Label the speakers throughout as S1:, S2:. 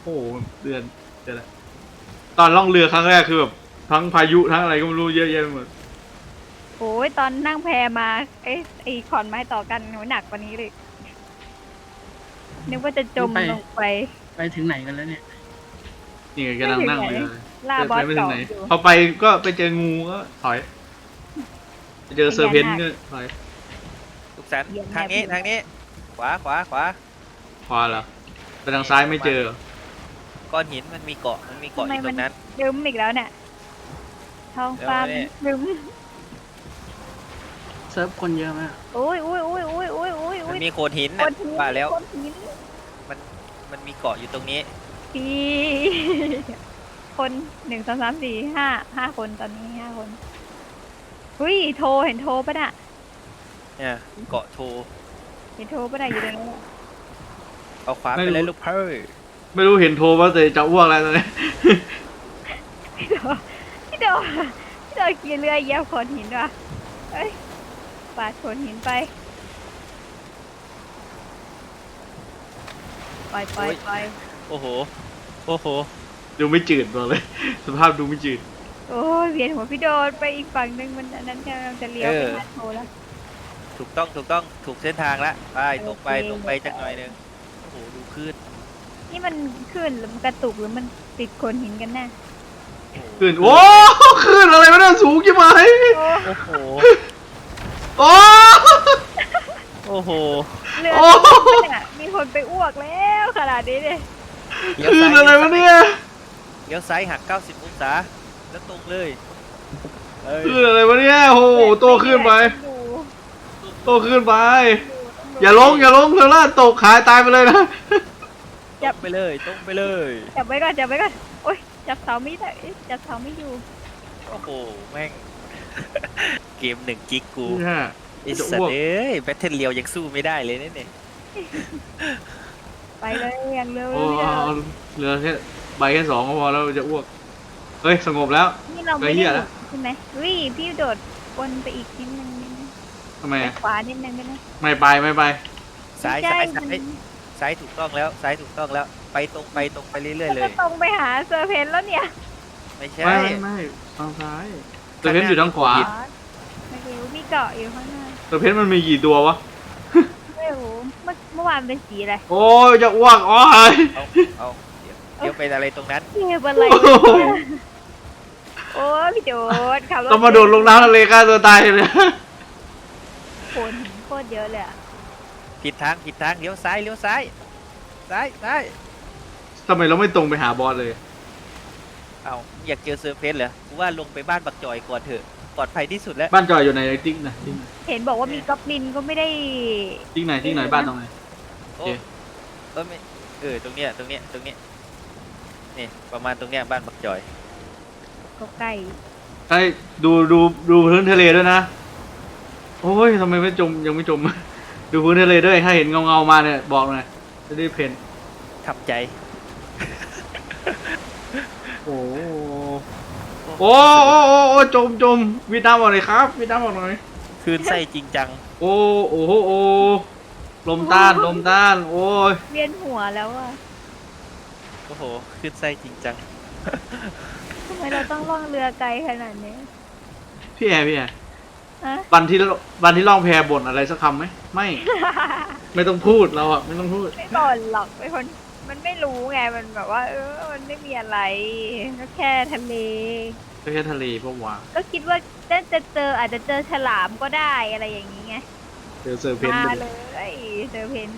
S1: โอ้โหเดือนเดือนละตอนล่องเรือครั้งแรกคือแบบทั้งพายุทั้งอะไรก็ไม่รู้เยอะแยะไปหมด
S2: โอ้ยตอนนั่งแพมาไอ้ขอนไม้ต่อกันโหหนักกว่านี้เลยนึกว่าจะจม
S3: นี่ไป
S2: ลงไป
S3: ไปถึงไหนกันแล้วเนี่ย
S1: นี่ไง
S2: ไม่
S1: กำลัง
S2: ถึงไหน
S1: นั่งเรือ
S2: ล่าบ
S1: ไป
S2: อส
S1: ไม่ถึงไหน
S2: เกาะอยู่
S1: พอไปก็ไปเจองูก็ถอยไปเจอเซอร์เพนต์ก็ถอย
S4: ทุกสันทางนี้ทางนี้ขวาขวาขวา
S1: พอแล้วไปทางซ้ายไม่เจอ
S4: ก้อนหินมันมีเกาะอ
S2: ทำไม
S4: ยู่ตร
S2: มัน
S4: งนั้น
S2: ลืมอีกแล้วเนี่ยท้องฟ้า
S4: เดี๋ยวนี่
S2: ลืม
S3: เซิร์ฟคนเยอะมาก
S2: โอ้ยโอ้ยโอ้ยโอ้ยโอ้ยโอ้ย
S4: มั
S2: โอ้
S4: น
S2: ย
S4: มีโขดหิน
S2: ค
S4: น่ะ
S2: นหิน
S4: ว่าแล้ว
S2: คนหิน
S4: มันมีเกาะอยู่ตรงนี้
S2: พี่ คนหนึ่งสองสามสี่ห้าคนตอนนี้5 คนหุ้ยโทรเห็นโทรปะน่ะ
S4: เนี่ยเกาะโท
S2: เห็นโทรปะน่ะอยู่ตรงนั้น
S4: เอาขวา
S1: ไม่
S4: ไป
S1: รู้
S4: เลยลูกเพ่อ
S1: ไม่รู้เห็นโทรว่าแต่จะอ้วกแล้วตอนนี้
S2: พี่โดพี่โดพี่โดขี่เรือเหยียบโขดหินว่ะเอ้ยปาดโขดหินไปปล่อยปล่อยปล่อย
S4: โอ้โหโอ้โห
S1: ดูไม่จืดบอกเลย สภาพดูไม่จืด
S2: โอ้ยเวียนหัวพี่โดนไปอีกฝั่งหนึ่งมันอันนั้นกำลังจะเลี้ยวไปหาโทรแล้ว
S4: ถูกต้องถูกเส้นทางละไปตรงไป
S2: โอเค
S4: ตรงไปจักหน่อยหนึงโอ้โหดูคลื่น
S2: นี่มันขึ้นหรือมันกระตุกหรือมันติดโขดหินกันแน่
S1: ขึ้นโอ้ขึ้นอะไรวะเนี่ยสูงกี่ไหม
S2: โอ้
S4: โอ้โห
S1: โอ้
S4: โอ้โห
S2: เรือ
S1: โอ้
S2: เนี่ยมีคนไปอ้วกแล้วขนาดนี้เนี่ย
S1: ขึ้นอะไรวะเนี่ย
S4: เลี้ยวซ้ายหัก90องศาแล้วตรงเลยเอ้ย
S1: ขึ้นอะไรวะเนี่ยโอ้โหโตขึ้นไปโตขึ้นไป อย่าลงเธอล่าตกขายตายไปเลยนะ
S4: ตรงไปเลยตรงไปเลย
S2: จับไว้ก่อนจับไว้ก่อนโอ๊ยจับเสาไม่ได้จับเสาไม่อยู่
S4: โอ้โหแม่ง เกม1 กิกกู
S1: เนี่ย
S4: ไอ้
S1: จะ
S4: สัต
S1: อ้วก
S4: ว์เอ้ยแบทเทิลเรียวยังสู้ไม่ได้เลยเนี่ย
S2: ไปเลยอย่างเร็ว
S1: โอ้
S2: เลย
S1: เอาเหลือแค่ใบแค่2ก็พอแล้วจะอ้วกเฮ้ยสงบแล้ว
S2: นี่เราไม่
S1: ไปเหี้
S2: ได้
S1: ยแล้ว
S2: ใช่ไหมวิพี่โดดวนไปอีกนิดนึงนิดนึง
S1: ทำไม
S2: ไป
S1: อะ
S2: ขวานิดนึงได้ไหม
S1: ไม่ไป
S4: ซ้าย
S2: ใช่
S4: ซ้าย
S2: มัน
S4: ซ้ายถูกต้องแล้วซ้ายถูกต้องแล้วไปตรงไปเรื่อยๆเล
S2: ก็
S4: ย
S2: ตรงไปหาเซอร์เพนแล้วเนี่ย
S4: ไม่ใช่
S1: ไม่ทางซ้ายเตอร์เพนอยู่ทางขวา
S2: ไม่รู้มีเกาะอยู่ข้างหน้า
S1: เตอร์เพนมันมีกี่ตัววะ
S2: ไม่รู้เมื่อวานเป็นสีอะไร
S1: โอ้ยจะอ้วกโอ้ย
S4: เอาเดี๋ยวไปอะไรตรงนั้น
S2: เก็บอะไร
S1: โอ้โห
S2: โอ้พี่โดดขับรถ
S1: ต้องมาโดดลงน้ำทะเลฆ่าตัวตายเลย
S2: โขนหินโคตรเยอะเลยอะ
S4: ผิดทางเลี้ยวซ้ายซ้าย
S1: ทำไมเราไม่ตรงไปหาบอสเลย
S4: เอาอยากเจอเซอร์เพสเหรอกูว่าลงไปบ้านบักจอยก่อนเถอะปลอดภัยที่สุดแล้ว
S1: บ้านจอยอยู่ในติ๊กนะติ๊กไหน
S2: เห็นบอกว่ามีก๊อบลินก็ไม่ได้
S1: ติ๊กไหนบ้านตรงไหน
S4: โอ้
S1: โอเค
S4: ไม่ตรงเนี้ยนี่ประมาณตรงเนี้ยบ้านบักจอย
S2: ก็ใกล้
S1: ใช่ดูพื้นทะเลด้วยนะ โอ้ยทำไมไม่จมยังไม่จม ดูพื้นทะเลด้วยถ้าเห็นเงามาเนี่ยบอกหน่อยจะได้เพน
S4: ทำใจ
S1: โอ้โอ้โอ้จมวิดน้ำออกหน่อยครับวิดน้ำออกหน่อย
S4: คืนไส้จริงจัง
S1: โอ้โอ้ลมต้านโอ้ย
S2: เวียนหัวแล้วอะ
S4: โอ้โหคืนไส้จริงจัง
S2: ทำไมเราต้องล่องเรือไกลขนาดนี้
S1: พี่แอร์
S2: ฮะ
S1: วันที่ล่องแพบ่นอะไรสักคำไหมไม่ ไม่ต้องพูดเราอะไม่ต้องพูด
S2: ไม่บ่นหรอกเป็นคนมันไม่รู้ไงมันแบบว่า มันไม่มีอะไรก็แค่ทะเล
S1: ก็แค่ทะเลพวกว่า
S2: ก็คิดว่าจะเจออาจจะเจอฉลามก็ได้อะไรอย่างนี้ไง
S1: เจอเซอร์เพนต์
S2: มา
S1: ไป
S2: เล
S1: เลย
S2: ยเจอเพน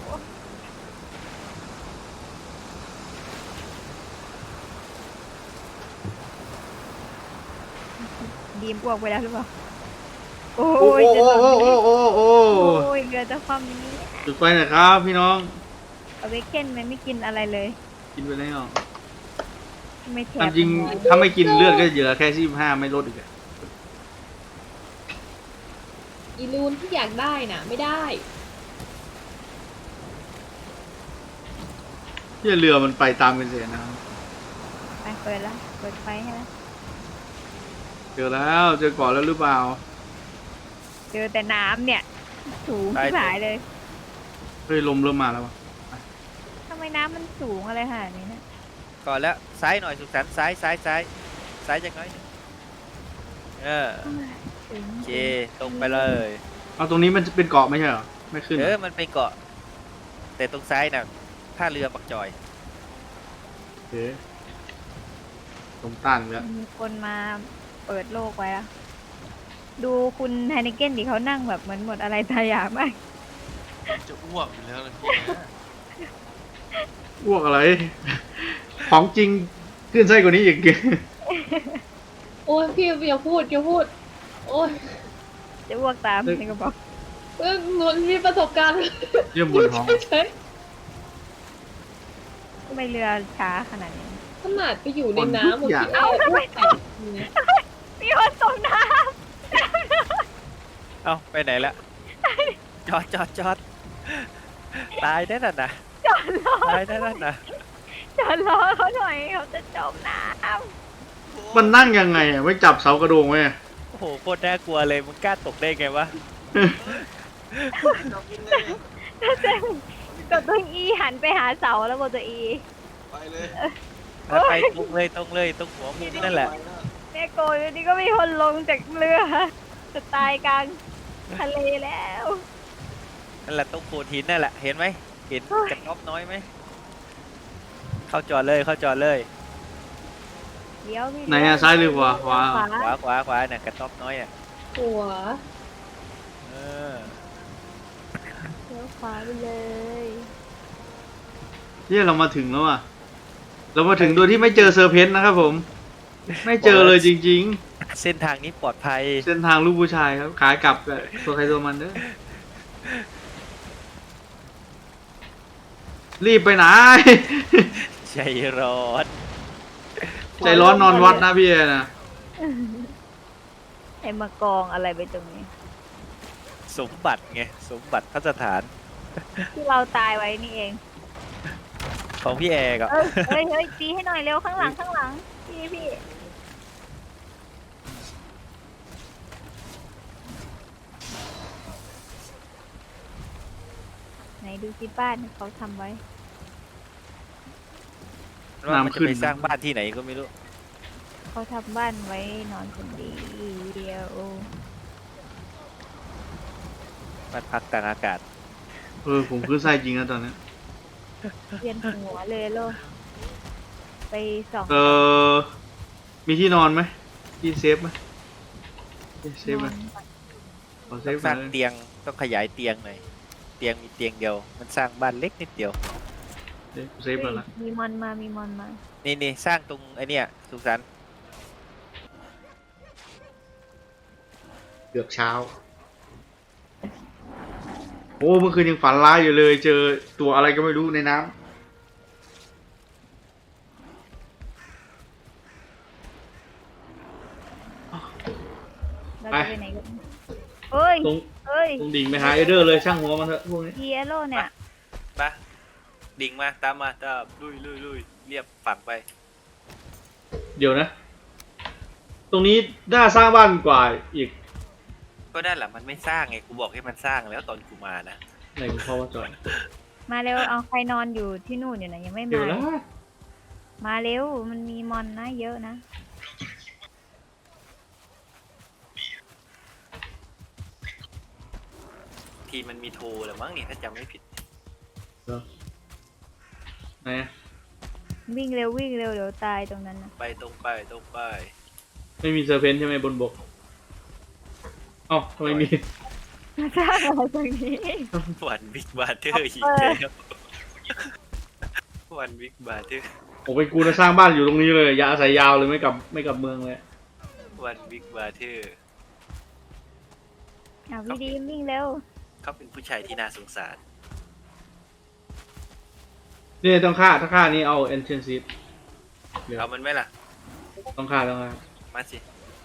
S2: ดีมอ้วกไปแล้วหรือเปล่าโอ้
S1: โอ้
S2: ย
S1: โอ้โอ้โอ้โอ้
S2: โอ้ยเรือจะคว่ำนี้
S1: จุดไฟหน่อยครับพี่น้อง
S2: เอาเวกเคนมันไม่กินอะไรเลย
S1: กินไปแล้ว
S2: ไม่แถ
S1: ตามจริงถ้าไม่กินเลือดก็เหลือแค่25ไม่ลดอีกอะ
S5: อีลูนที่อยากได้น่ะ ไม่ได้
S1: ที่เรือมันไปตามกันเสียนะ
S2: ไปเปิดแล้วเปิดไฟให้แล้ว
S1: เจอแล้วเจอก่อนแล้วหรือเปล่า
S2: เจอแต่น้ำเนี่ยสูงที่หายเลย
S1: เฮ้ยลมเริ่มมาแล้ววะ
S2: ทำไมน้ำมันสูงอะไรขนาดนี้เนี่ย
S4: ก่อนแล้วซ้ายหน่อยสุขสันต์ซ้ายจากน้อยหนึ่ง
S2: ถึง
S4: โอเคตรงไปเลย
S1: เอาตรงนี้มันจะเป็นเกาะไม่ใช่เหรอไม่ขึ้นเหรอ
S4: มันเป็นเกาะแต่ตรงซ้ายน่ะท่าเรือปักจอย
S1: โอเคตรงตั้งแล้ว
S2: มีคนมาเปิดโลกไว้อะดูคุณไฮนิเก้นดิเขานั่งแบบเหมือนหมดอะไรตายอยากมาก
S6: จะอ้วกอยู่แล้วเลยพี่นะ
S1: อ้วกอะไร ของจริงขึ้นไส้กว่านี้อีก
S5: โอ้ยพี่อย่าพูดโอ้ย
S2: จะอ้วกตามนี่ก็บอก
S5: หนูมีประสบการณ์
S1: เยี่ยมบนท้อง
S5: เฉย
S2: ทำไมเรือช้าขนาดนี้
S5: ๆขนาดไปอยู่ในน้ำ
S1: ทุกอย่าง
S5: พี่แอร์พูดแต่
S2: มีคนตกน้
S4: เอ้าไปไหนละจอดตายได้น่ะนะ
S2: ำจอดรอ
S4: ตายได้น่ะนะ
S2: จอดรอเขาหน่อยเขาจะจมน้
S1: มันนั่งยังไงอ่ะไม่จับเสากระโดงไว้อะ
S4: โอ้โหโคตรน่ากลัวเลยมึงกล้าตกได้ไงวะ
S6: จับยังไง
S2: ำแล้วเจ๊กดตัวอีหันไปหาเสาแล้วกดตัวอี
S6: ไปเลย
S4: แล้วไปตรงเลยตรงหัวมุมนั่นแหละ
S6: ไปนะ
S2: แม่โกยนี่ก็มีคนลงจากเรือจะตายกลางทะเลแล้ว
S4: นั่นแหละตรงโขดหินนั่นแหละเห็นไหมเห็นกระต๊อบน้อยไหมเข้าจอดเลย
S2: เดี๋ยวมี
S1: ไหนอ่ะซ้ายหรือขวาขวา
S4: ขวาน่ะกระต๊อบน้อยอ่ะ
S5: หัว
S4: เออ
S2: เดี๋ยวขวาไปเลย
S1: เนี่ยเรามาถึงแล้วอ่ะ เรามาถึงโดยที่ไม่เจอเซอร์เพนต์นะครับผม ไม่เจอเลยจริง
S4: เส้นทางนี้ปลอดภัย
S1: ๆ เส้นทางลูกผู้ชายครับ ขายกลับกับตัวใครตัวมันเด้อรีบไปไหน
S4: ใจร้อน
S1: ใจร้อนนอนวัดนะพี่เอนะ
S2: ไอ้มากองอะไรไปตรงนี้
S4: สมบัติไงสมบัติพระสถาน
S2: ที่เราตายไว้นี่เอง
S4: ของพี่แอร์กับ
S2: เฮ้ยตีให้หน่อยเร็วข้างหลังพี่ไหนดูสิบ้านที่เขาทำไว้
S4: ว่ามันจะไปสร้างบ้านที่ไหนก็ไม่รู้
S2: เขาทำบ้านไว้นอนคนเดียว
S4: บ้านพักกลางอากาศ
S1: ผมขึ้นไส้จริงนะตอนนี้
S2: เวียนหัวเลยโลกไปส่อง
S1: มีที่นอนไหมที่เซฟไหมเซฟไหม
S2: นอน
S1: ขอเซ
S4: ต้อ
S1: ฟ
S4: ง
S1: ห
S4: ส
S1: น่
S4: ร้า
S1: อง ย
S4: เตียงต้องขยายเตียงหน่อยเตียงมีเตียงเดียว มันสร้างบ้านเล็กนิดเดียว
S1: เซฟแล้วละ
S2: มีมอนมา
S4: นี่สร้างตรงไอเนี้ยสุขสันต์
S1: เกือบเช้า โอ้เมื่อคืนยังฝันร้ายอยู่เลย เจอตัวอะไรก็ไม่รู้ในน้ำ
S2: เราจะไปไหนกันเอ้ย
S1: ตรง
S2: เอ้ย
S1: ตรงดิ่งไปหาเอเดอร์เลยช่างหัวมันเถอะพวกนี้
S2: เยโลเนี่ย
S4: มาดิ่งมาตามลุยเรียบฝั่งไป
S1: เดี๋ยวนะ ตรงนี้น่าสร้างบ้านกว่าอีก
S4: ก็ได้แหละมันไม่สร้างไงกูบอกให้มันสร้างแล้วตอนกูมานะ
S1: ไหนคุณพ่อว่าจอย
S2: มาเร็วเอาใครนอนอยู่ที่นู่นอยู่นะยังไม่
S1: เดี๋ยว
S2: มา
S1: นะ
S2: มาเร็วมันมีมอนนะเยอะนะ
S4: ทีมันมีโทรแหรือมั้งนี่ถ้าจำไม่ผิด
S1: ไหนอะ
S2: วิ่งเร็วเดี๋ยวตายตรงนั้นนะ
S4: ไปตรงไป
S1: ไม่มีเซอร์เพนต์ใช่ไหมบนบกเอ้าทำไมมี
S2: มาสร้างอะไรตรงนี้
S4: วันบิ๊กบาร์เทอร์อีกแล้ววันบิ๊กบาร์เทอร์
S1: ผมเป็นกูนะสร้างบ้านอยู่ตรงนี้เลยอย่าอาศัยยาวเลยไม่กลับเมืองเลย
S4: วันบิ๊กบาร์เทอร์
S2: อ่ะพี่ดีมวิ่งเร็ว
S4: เขาเป็นผู้ชายที่น่าสงสาร
S1: นี่ต้องฆ่าถ้าฆ่านี้เอา Ancient Seed
S4: เอามันไหมล่ะ
S1: ต้องฆ่า
S4: มาสิ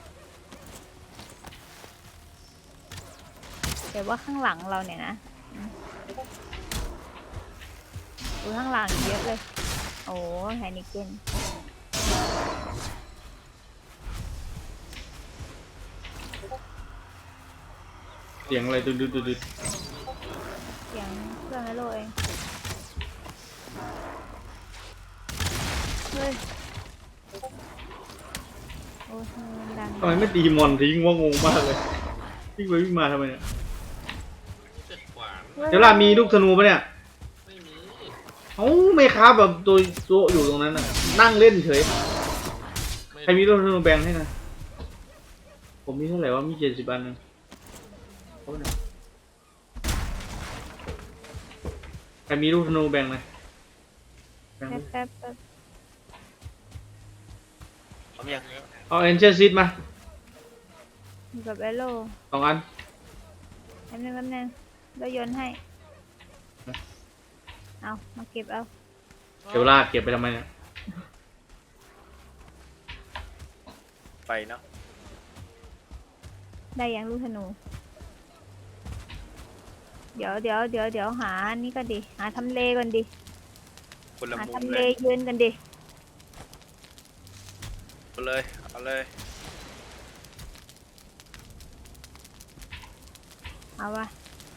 S2: แต่ว่าข้างหลังเราเนี่ยนะดูข้างหลังเยอะเลย โอ้ไฮนิเกน
S1: เสียงอะไรดุด
S2: เสียงเครื่องไอโลเองเฮ้ยโอ้ยมันดัง
S1: ทำไมไม่ตีมอนทิ้งว่างงมากเลยวิ่งไปวิ่งมาทำไมเนี่ย
S6: เจ็ดขวาน
S1: เดี๋ยวล่ะมีลูกธนูปะเนี่ย
S6: ไม่มี
S1: เอ้าไม่ครับแบบตัวอยู่ตรงนั้นน่ะนั่งเล่นเฉยใครมีลูกธนูแบ่งให้นะผมมีเท่าไหร่วะมี70 อันนึงเอาไปหน่อยใครมีลูกธนูแบ่งไหมแบ่ง
S2: แป๊บแป๊บ
S4: ผมยัง
S1: เอาเอ็นเชอร์ซิดมา
S2: อยู่กับแอโร่
S1: 2 อัน
S2: แป๊บนึงแล้วโยนให้ เอามาเก็บเอา
S1: เดี๋ยวลากเก็บไปทำไมเนี่ย
S4: ไปเนาะ
S2: ได้ยังลูกธนู เดี๋ยวหานี่ก่อนดิ หาทำเลก่อนดิ
S4: คนละ
S2: หา
S4: มุม
S2: ทำ
S4: เล
S2: เลย ยืนกันดิ
S4: เอาเลยเอาเลย
S2: เอาวะ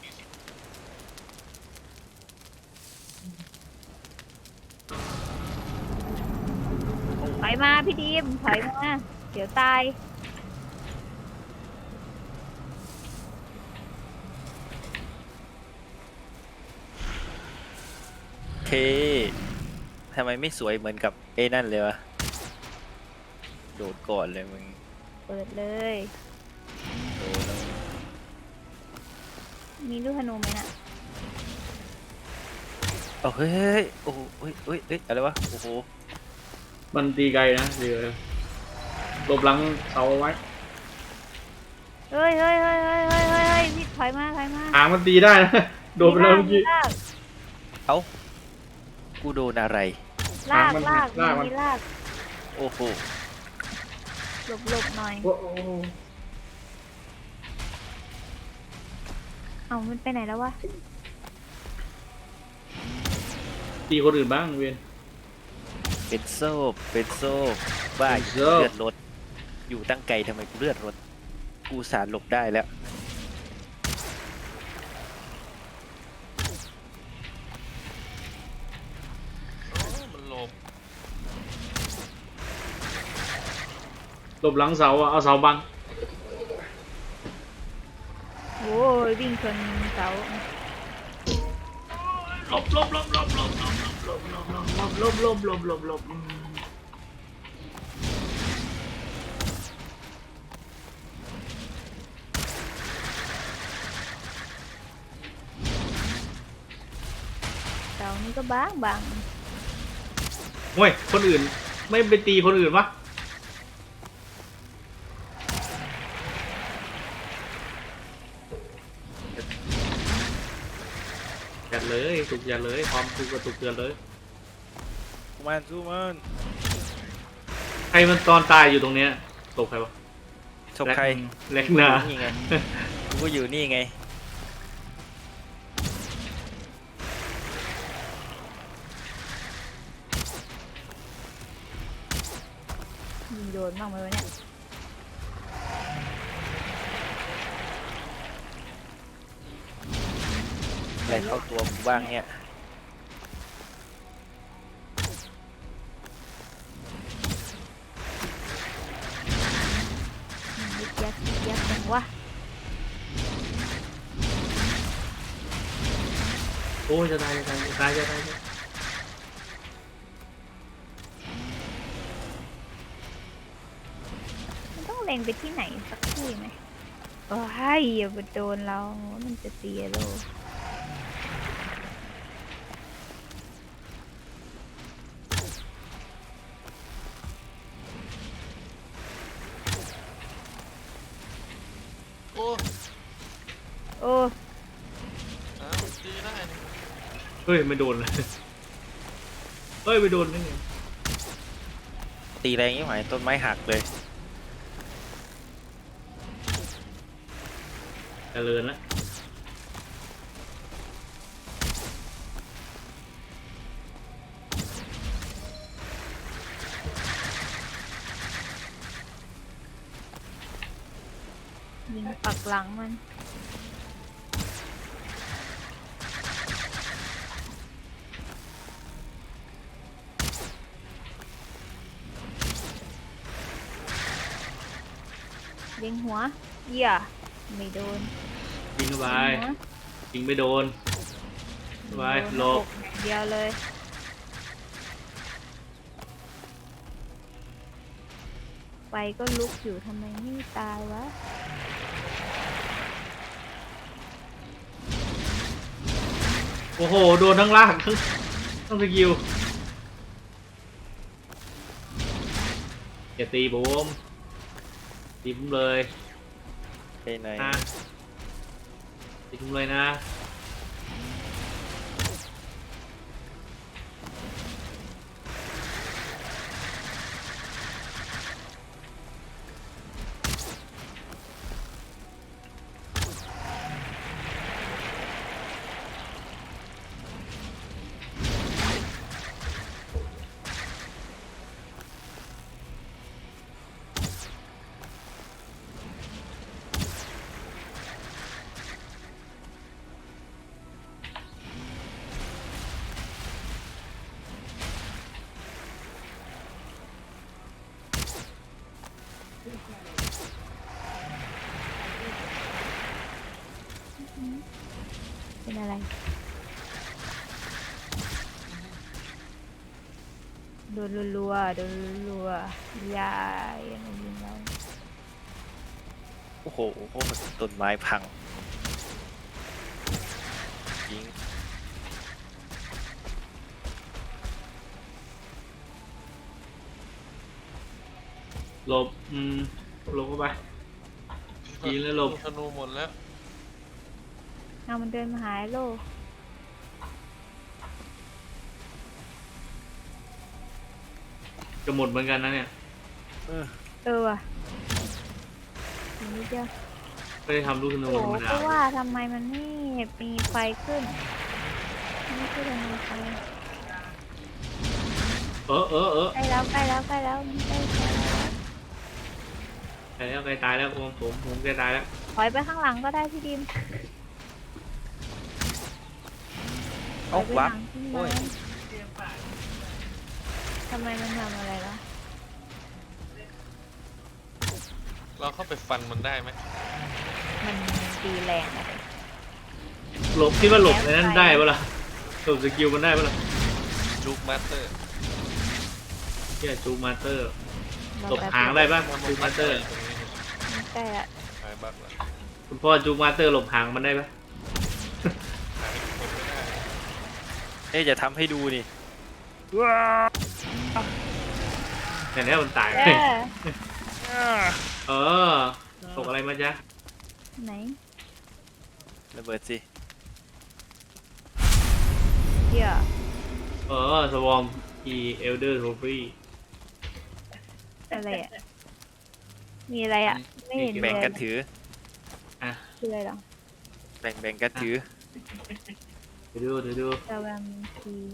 S2: ถอยมาพี่ดีมถอยมา เดี๋ยวตาย
S4: เคทำไมไม่สวยเหมือนกับเอ้นั่นเลยวะโดดก่อนเลยมึง
S2: เปิดเลย
S4: โดดแล้ว
S2: มีลูกธนูไหมน่ะ
S4: เอาเฮ้ยโอ้โหเฮ้ยอะไรวะโอ้โห
S1: มันตีไกลนะเดี๋ยวหลบหลังเสาเอาไว้
S2: เฮ้ยพี่ถอยมา
S1: หางมันตีได้นะโดนไปแล้วเมื่อกี้
S4: เอ้ากูโดนอะไร
S2: ลาก
S1: มัน
S2: ลาก
S1: ลากมัน
S2: มีลาก
S4: โอ้โห
S2: หลบหน่อย
S1: โอ้โห
S2: เอามันไปไหนแล้ววะ
S1: ตีคนอื่นบ้างเวียน
S4: เป็นโซ่บ้า
S1: เป็นโซ่
S4: เลือดรถอยู่ตั้งไกลทำไมกูเลือดรถกูสารหลบได้แล้ว
S6: โอ้มันหลบ
S1: หลบหลังเสาอะเอาเสาบัง
S2: โอ้ยวิ่งชนเสา
S1: หลบ
S2: เสานี่ก็บาง
S1: เฮ้ยคนอื่นไม่ไปตีคนอื่นวะยัดเลยถูกยัดเลยความถูกกระตุกเตือนเลย
S4: สู้มัน
S1: ใครมันตอนตายอยู่ตรงเนี้ยตกใครวะ
S4: ชกใคร
S1: เล็กนา
S4: นี่ไงกูก็อยู่นี่ไง
S2: ยิงโดนบ้างไหมวะเนี่ย
S4: อะไรเข้าตัวกูบ้างเนี่ย
S2: ยึกยักจังวะ
S1: โอ้ยจะตาย
S2: มันต้องเล็งไปที่ไหนสักที่ไหมโอ้ยอย่าไปโดนเรา มันจะเสียโล
S6: โอ้
S2: โอ้
S6: อ้าวตีได้นี่
S1: เฮ้ยไม่โดนเลยเฮ้ยไม่โดนได้ไง
S4: ตีแรงยิ่งหายต้นไม้หักเลย
S1: เจริญละ
S2: ยิงปักหลังมัน
S1: ม
S2: ยิงหัวเหี้ยไม่โดน
S1: ยิงเข้าไป
S2: ยิงหัว
S1: ยิงไม่โดนไปหลบ
S2: เดียวเลย ไฟก็ลุกอยู่ทำไมไม่ตายวะ
S1: โอ้โหโดนทั้งล่างทั้งสกิลอย่าตีผมตีผมเลย
S4: ไปไหน
S1: นะตีผมเลยนะ
S2: เป็นอะไร โดนรัวๆโดนรัวๆยายอะไรยิงเรา
S4: โอ้โหต้นไม้พังยิง
S1: หลบหลบเข้าไป ยิงแล้วหลบ
S6: ธนูหมดแล้ว
S2: เอามันเดินมาหายโล
S1: จะหมดเหมือนกันนะเนี่ย
S2: ว่ะอีกนิดเดียว
S1: ไม่ได้ทำลูกธนู
S2: โอ้
S1: ธรรม
S2: เพ
S1: ดา
S2: ราะว่าทำไมมันไม่มีไฟขึ้นไม่ขึ้นเลยมีไฟ
S1: เออ
S2: ใกล้แล้วใกล้แล้วใกล้แล้วใกล้แล้ว
S1: ใกล้ตายแล้วผมใกล้ตายแล้ว
S2: ถอยไปข้างหลังก็ได้พี่ดิม
S4: เอ้าวับ
S2: โอ้ยทำไมมันทำอะไรล่ะ
S6: เราเข้าไปฟันมันได้ไหม
S2: มันตีแรงอะไร
S1: หลบคิดว่าหลบในนั้นได้ปะล่ะหลบสกิลมันได้ปะล่ะ
S6: จูกมาสเตอร์
S1: เที่ยจูมาสเตอร์หลบหางได้ปะจูมาสเตอร์
S6: ตรงนี้
S2: มันใกล้ละ
S6: หายบักแล้ว
S1: คุณพ่อจูมาสเตอร์หลบหางมันได้ปะ
S6: หายคนไม่ได้
S4: เอ๊ะจะทำให้ดูนี่
S1: แต่เนี้ยมันตาย เออตกอะไรมาจ๊ะ
S2: ไหน
S4: ระเบิดสิ
S2: เดี๋ยว
S1: สวอมอีเอลเดอร์โทฟี่
S2: อะไรอ่ะ มีอะไรอ่ะ ไม่เห็นมี
S4: แบ่ง
S2: อะไร
S4: กันถือ
S2: คืออะไรหรอ
S4: แบ่งกันถือ
S1: เดี๋ยวดู
S2: ตะวันที